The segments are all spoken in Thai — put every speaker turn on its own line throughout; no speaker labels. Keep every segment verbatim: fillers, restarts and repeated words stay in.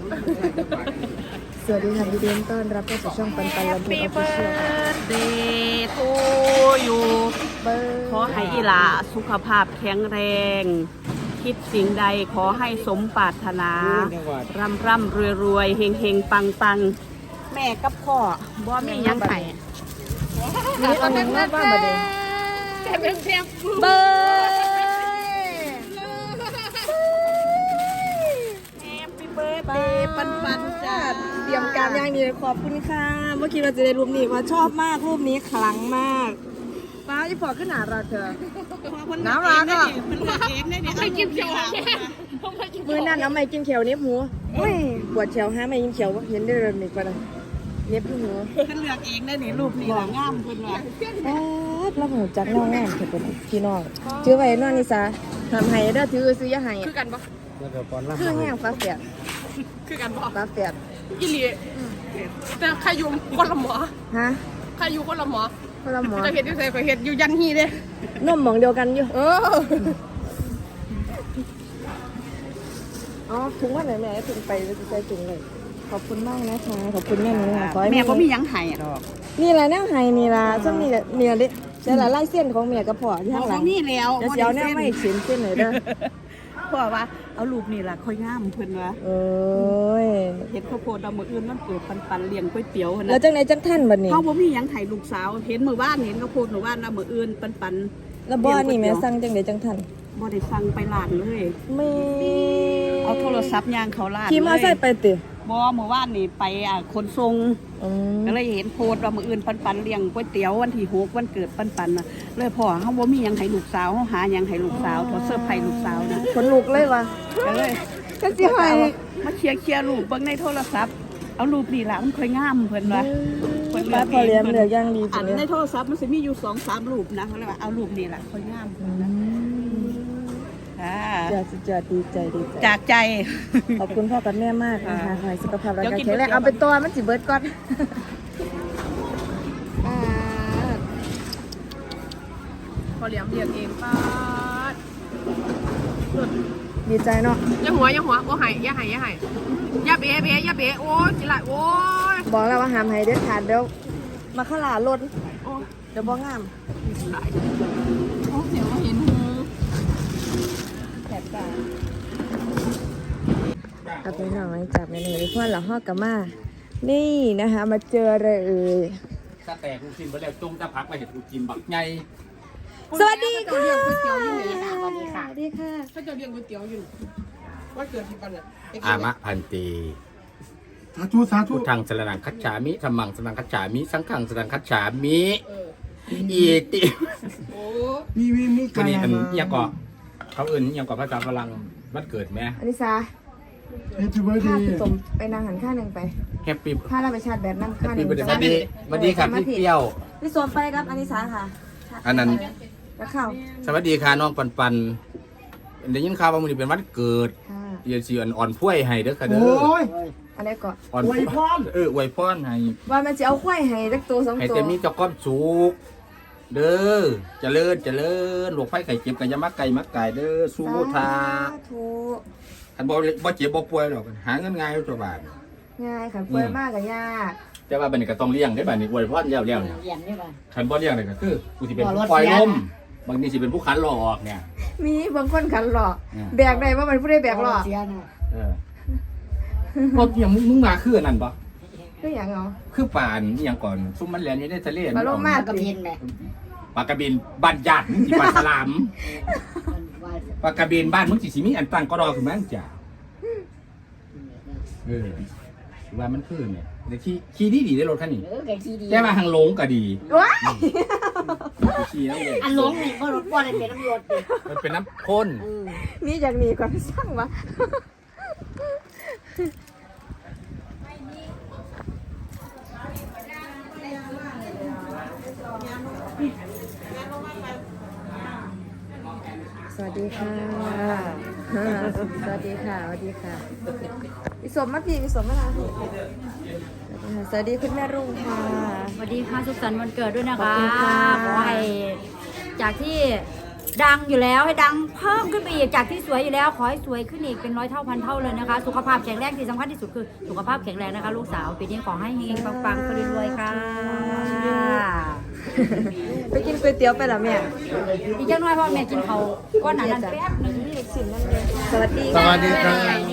สวัสดีค่ะยินดีต้อนรับเข้าสู่ช่องปันปันลำพูนออฟฟิเชียล
เดย์ทูอยู่ขอให้อีหลาสุขภาพแข็งแรง คิดสิ่งใดขอให้สมปรารถนา ร่ำร่ำรวยรวยเฮงเฮงปังปังแม่กับพ่อบ่มีหยังไข่
นี่เอาหนึ่งว่าบ้ามาเด้
แต่เป็นเพียง
เบอร์
แฮปปี้เบิร์ดเดย์ปันปันจ้า
เตรียมการอย่างดีขอบคุณค่ะเมื่อกี้เราจะได้รูปนี้ว่าชอบมากรูปนี้คลังมากป้าจะพอขึ้นหนาเราเธอ น้ำรักอ่ะ
มันเลือกเองได้เนี่ยไม่กินเขียว
มือนั่นเอาไม่กินเขียวเน็บหูเฮ้ยปวดเขียวฮะไม่กินเขียวเห็นได้เลยนี่ก็ได้เน็บหู
มันเลือกเองได้เนี่ยรูปนี้ละงามเพิ่นว่า
แป๊ดแล้วหูจักน้องงามเถอะเป็นพี่น้องชื่อไว้นอนนิสาทำให้เด้อถือซื้อยาให้
คือกันปะ
คือแห้งฟ้าแฝด
คือกันปะ
ฟ้าแฝด
อีหลีแต่ใครอยู่คนละหมอ
ฮะ
ใครอยู่คนละหมอ
คนละหมอ
จะเห็นอยู่ใส่ก็เห็นอยู่ยันฮีเด้
นมหมองเดียวกันอยู่
เออ
อ๋อถุงว่าไหนแม่ถุงไปจะใส่ถุงเลยขอบคุณมากนะคะขอบคุณแม่หนูค่ะขอให้
แม่ก็มียังไห้ดอก
นี่แหละแนวไห้นี่ล่ะช่วงนี้แหละเนี่ยเด้ใช่ละไล่เส้นของแม่กับพ่อที่ข้างหลัง
มีแล้ว
เดี๋ยวเสียวแนวไม่เขียนเส้นเลยเด้อ
พ่อว่าเอารูปนี่ล่ะค่อยงามเพิ่นว่า
โอ้ย
เห็นข้าวโพดเอามื้ออื่นมันเปิดปันๆเลี้ยงก๋วยเตี๋ยวหั่น
แล้ว
น่ะ
จังไหนจังท่านบัดนี้
เฮาบ่มีหยังไห้ลูกสาวเห็นมื้อวานเห็นข้าวโพดมื้อวานนะมื้ออื่นปันๆ
แล้วบ่นี่แม่สั่งจังไหนจังท่าน
บ่ได้สั่งไปร้านเลย
ไม่
เอาโทรศัพท์ย่างเขาร้าน
ขี่มอไซค์ไปติ
บ่มื้อวานนี่ไปอ่ะขนส่ง
อืม
ก็เลยเห็นโพสต์ว่ามื้ออื่นปันๆเลี้ยงก๋วยเตี๋ยววันที่หกวันเกิดปันๆน่ะเลยพ่อเฮาบ่มีหยังให้ลูกสาวเฮาหาหยังให้ลูกสาวเฮาเสิร์ฟให้ลูกสาวนะ
ขนลุกเลยว่ะ
ก็เลย
ก็สิให้
มาเคลียร์เคลียร์รูปเบิ่งในโทรศัพท์เอารูปนี่ล่ะมันค่อยงามเพิ่นว่าเพิ่น
ป้าพอเลี้ยงเหลืออย่างดี
อั
จั
น
งเล
ใน
ย
โทรศัพท์มันสิมีอยู่ สองสาม รูปนะเขาเลยว่าเอารูปนี่ล่ะค่อยงามเพิ่นนะค่ะ
อยากสุดยอดดีใจดีใจ
จากใจ
ขอบคุณพ่อกับแม่มากนะคะขอให้สุขภาพร่างกาย
เดี๋ยวกิน
แข็งแรง
ก๋วยเตี๋ยว
เอาไปตัวมันสิเบิดก่อนอ่า
พอเลี้ยงเลี้ยงเองป้าด
ดีใจเนาะ
อย่าหัวอย่าหัวโอ้หายอย่าหายอย่าหายอย่าเบะเบะอย่าเบะโอ้ยจิไรโอ้ย
บอกแล้วว่าห้ามให้เด็ดขาดเดี๋ยวมาขลาลด
โอ้ย
เดี๋ยวบ่งาม
หลายโอ้เสียวเห็นหู
แสบตาเอาไปหน่อยจับในหนึ่งเพราะเราฮอกกับมานี่นะคะมาเจออะไรเอ่ย
ถ้าแต่กูกินไปแล้วจงจะพักไปเห็นกูกินบักไง
สวัสดีค่ะ
เลี้ยงก๋วยเตี๋ยวอยู่นี่
สวัสดีค่ะสวัสดีค่ะ
ถ้าจะเลี้ยงก๋วยเตี๋ยวอยู่ว่าเกิดที่ปันเนี่ย
อามะพันตี
สาธุสาธุ
พุทธังสรนังคัจฉามิธัมมังสรนังคัจฉามิสังฆังสรนังคัจฉามิอีติ
โอ้
มีมีมี
วันนี้อันยังก่อเขาอื่นยังก่อภาษาฝรั่งวันเกิดไหม
อนิสา
เฮปปี้เบิร์ด
พา
เด
พี่
ย์
สมไปนางหันข้างหนึ่งไป
แฮปปี้
พาเราไปชาร์จแบตน้ำ
แฮ
ข้า
ป
งห
ปี้
นึ่ง
เบิร์ดเดย์สวัสดีสวัสดีครับพี่เปรี้ยว
พี่สมไปครับอนิสาค่ะ
อันนั้น
แล้วเข้า
สวัสดีค่ะน้องปันปันได้ยินข่าวว่ามันนี้เป็นวันเกิด
ค่ะ
เดี๋ยวสิอ่อนอ่อนพ้วยให้เด้อค่ะเด้อ
โอ้ย
อันนี้ก่อน
อ่อน
อวยพร
เอออวยพรให้
ว่ามันจะเอาควายให้สักตัวสอง
ให้
ตัว
แต่มีเจ้าก้อมสุกเด้อเจริญเจริญหลวงไฟไข่เจ็บกันยามักไก่มักไก่เด้อสู้ทา
ถู
คันบ่บ่เจ็บบ่ป่วยหรอกหาเงินง่ายอยู่ตัวบาท
ง่ายค่ะเปิดมากกับยาก
แต่ว่าบัดนี้ก็ต้องเลี้ยงได้บัดนี้อวยพรแล้วแล้วเนี่ย
เลี้ยงได้บ่
คันบ่เลี้ยงนี่ก็คือกูสิเป็น
บ่ร
ผู้
ถ
ปล่อย
เสีย
ลม
นะ
บางทีสิเป็นผู้ขันหลอกเนี่ย
มีบางคนขันหลอก
อืม
แบกได้ว่ามันผู้ได้แบกหลอก
เออพวกอย่างมึงมึงมาคืออันนั้นบ่
ก็อย่างเอา
คือป่านอีหยังก่อนซุมมันแล่นอยู่ในทะเล
ปลาโลมา
กระเพียนแหละ
ปลากระเบนบ้านญาติมึงสิปลาสลามปลากระเบนบ้านมึงสิสิมีอันตั้งก็รอขึ้นมาจ้ะเออว่ามันคือเนี่ยแต่ขี่ขี่ดีดีได้รถคันนี้
เออไก่ขี้ดี
แต่ว่าทางหลงก็ดี
ว้าย
ขี่แล้วเลย
อันหลงนี่บ่รถบ่ได้เป็นน้ำรถดิ
มันเป็นน้ำข้น
นี่จากนี้ก่อนสร้างวะสวัสดีค่ะ สวัสดีค่ะ สวัสดีค่ะพี่สมมาพี่พี่สมมาลาพี่สวัสดีคุณแม่รุ่งค่ะ
สวัสดีค่ะสุขสันต์วันเกิดด้วยนะ
ขอบ
คะ
คุณค่ะ
ขอให้จากที่ดังอยู่แล้วให้ดังเพิ่มขึ้นไปอีกจากที่สวยอยู่แล้วขอให้สวยขึ้นอีกเป็นร้อยเท่าพันเท่าเลยนะคะสุขภาพแข็งแรงที่สำคัญที่สุดคือสุขภาพแข็งแรงนะคะลูกสาวปีนี้ขอให้เฮงๆปังๆไปรวยๆค่ะ
ไปกินก๋วยเตี๋ยวไปเหรอแม่
อีกจังน้อยพ่อแม่กินเขาวก้อนหนานั้นแป๊บหนึงนี่
สินนั่นเลยสวัสดี
สวัสดีครับ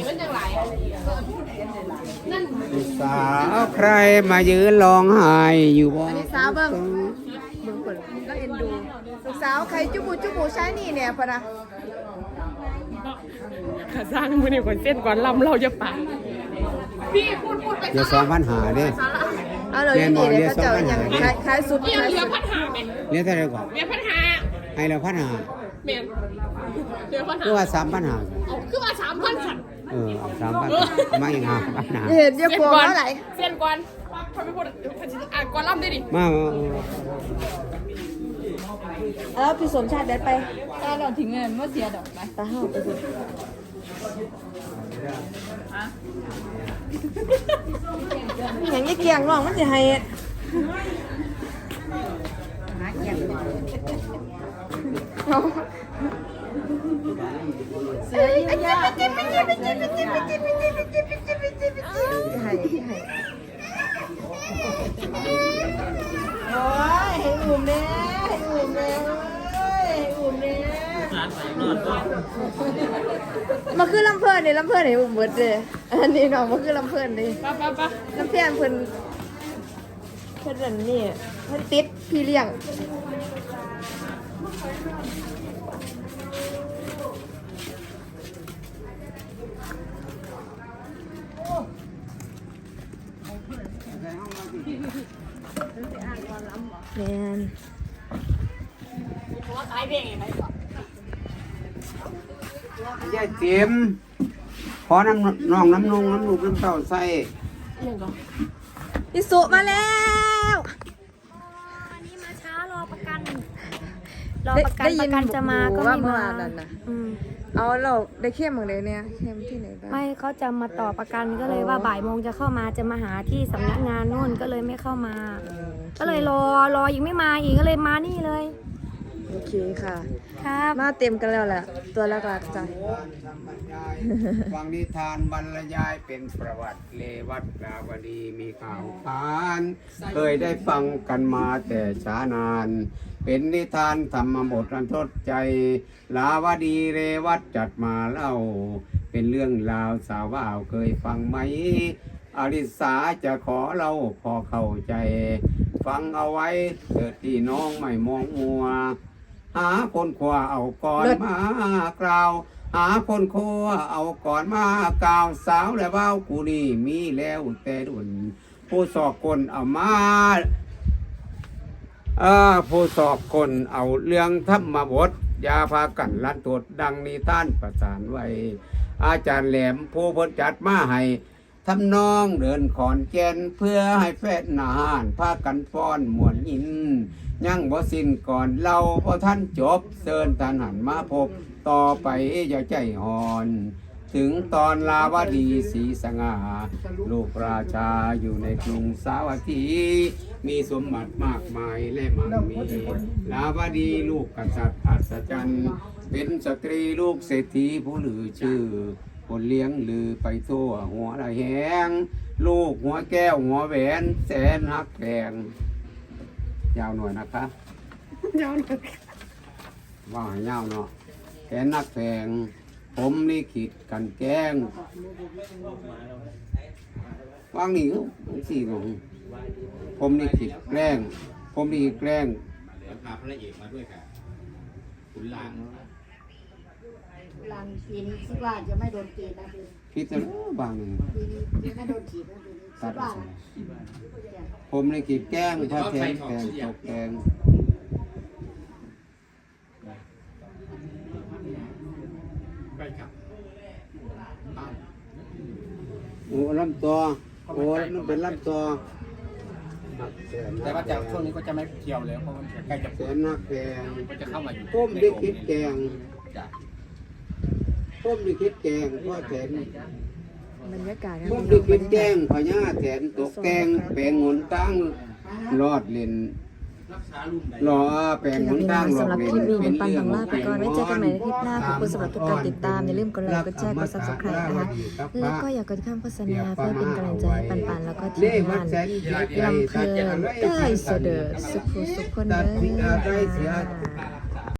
สาวใครมายืนร้องไห้อยู่บ่
อันนี้สาวเบิ่งเบิ่งคนก็เอ็นดูลูกสาวใครจุบุจุบุใช้นี่เนี่ยพะนะ
ขาสร้างมือนี่คนเส้นก่อนลำเราจะไปพี่พูดพูดไป
เดี๋ยวสองพันหาเด้
เอาเลยนี่เลยเขาเจ้าอย่างคล้ายคล้ายสุด
เรีย
คล้าย
เรือ
สุด
พันหาไหม
เนี่ยเท่าไหรก่อน
เรือพันหา
ให้เราพันหา
เมียนเรือพันหา
คือว่าสามพันหา
เอาคือว่าสามพันสัตว์
เออเอาสามพันมาอีกหาพันหา
เห็นเยอะกว่าเท่าไหร่
เส้นก่อนพอไปพูดอ่านก่อนลำได้ดิ
มามา
แล้วพี่สมชาติได้ไป
ตาเราทิ้งเงินเมื่อเสียดอกไป
ตาห้าวไปสิอย่างนี้เกียงน้องมันจะให้
หาเกียง
เสือยิ้มยากให้ให้โอ้ยให้อุ่มเน่ให้อุ่มเน่ให้อุ่มเน่มาคือลำเพลินนี่ลำเพลินให้อุ่มเบิดเลยอันนี้น้องมาคือลำเพลินนี่
ป้าป้าป้า
น้ำเพียนเพิ่นเพิ่นอันนี่เพิ่นติดพี่เลี้ยงแมน
ยายเต็มขอน้ำน้องน้ำนงน้ำลูกน้ำเต้าใส่
อิสุมาแล้ว
อันนี้มาช้ารอประกันรอ
ได้
ประกัน
ได้
ป
ยิน
ระกันจะมาก็
ว่า
ไม่
เมื่อ
มาว
านนั่นน่ะ
อืม
เอาเราได้เข้มเหมือนเลยเนี่ยเข้มที่ไหนบ้าง
ไม่เขาจะมาต่อประกันก็เลยว่าบ่ายโมงจะเข้ามาจะมาหาที่สำนักงานนู่นก็เลยไม่เข้ามา ก็เลยรอรอยังไม่มาอีกก็เลยมานี่เลย
โอเคค่ะ
ครับ
มาเต็มกันแล้วแหละตัวแรกๆจ้ะ
ฟังนิทานบรรยายเป็นประวัติเลวัตลาวดีมีข่าวขานเคยได้ฟังกันมาแต่ช้านาน เป็นนิทานธรรมบทอันทดใจ ลาวดีเรวัตจัดมาเล่า เป็นเรื่องราวสาวว่าวเคยฟังไหมอริสาจะขอเล่าพอเข้าใจ ฟังเอาไว้เถิดที่น้องไม่มองมัว หาคนขวาเอาก่อนมากล่าว หาคนครัวเอาก่อนมากล่าวสาวและเบ้ากูนี่มีแล้วแต่ดุนผู้สอบคนเอามาเออผู้สอบคนเอาเรื่องธรรมบทยาพากันลันตดดังนิทานประสานไว้ อาจารย์แหลมผู้เพ้นจัดมาให้ทำนองเดินขอนแก่นเพื่อให้แฟนนานพากันฟ้อนมวนยิน ยังบ่สิ้นก่อนเราพอท่านจบเชิญท่านหันมาพบต่อไปอย่าใจหอน ถึงตอนลาวดีศรีสง่าลูกราชาอยู่ในกรุงสาวัตถี มีสมบัติมากมายและมั่งมีลาวดีลูกกษัตริย์อัศจรรย์เป็นสตรีลูกเศรษฐีผู้ลือชื่อคนเลี้ยงลือไปทั่วหัวละแหงลูกหัวแก้วหัวแหวนแสนหักแพงยาวหน่อยนะคะยาวหน่อยว่าให้ยาวเนาะแสนหักแพงผมลิขิตกันแกล้งวางนี่สี่หนงผมลิขิตแกล้งผมลิขิตแกล้ง
แล้วพาพระเอกมาด้วยค่ะขุนลาง
หลังปีนี้คิดว่าจะไม่โดนตีนะปีนี้
คิดจะบางหนึ่ง
ปีนี้ไม่โดนถีบนะปีนี้คิ
ตัด
ดว่า
ออก
นะ
ผมลิขิตแกล้งพระแทนแกล้งตกแกล้ง
ไปครับ
โอ้ลำตัวโอ้มันเป็นลำตัว
แต่ว่าจากช่วงนี้ก็จะไม่เที่ยวแล้วเพราะมันใกล้จะ
แสนนักแกง
ก็จะเข้ามาอยู่
ผมได้คิดแกง
จ้ะ
ผมได้คิดแกงพ่อแทน
บรรยากาศ
ผมได้คิดแกงพญาแทนตกแกงแปลงหนตั้งรอดเล่นรอแปลงหนทาง
สำหรับคลิปนี้เป็นปันของลาไปก่อนไว้เจอกันใหม่ในคลิปหน้าขอบคุณสำหรับทุกการติดตามอย่าลืมกดไลค์กดแชร์กด ซับสไครบ์ นะคะแล้วก็อย่ากดข้ามโฆษณาเพื่อเป็นกำลังใจให้ปันปันแล้วก็ทีมงานลำเพลินได้เสด็จสุขสุขคนเด้อค่ะ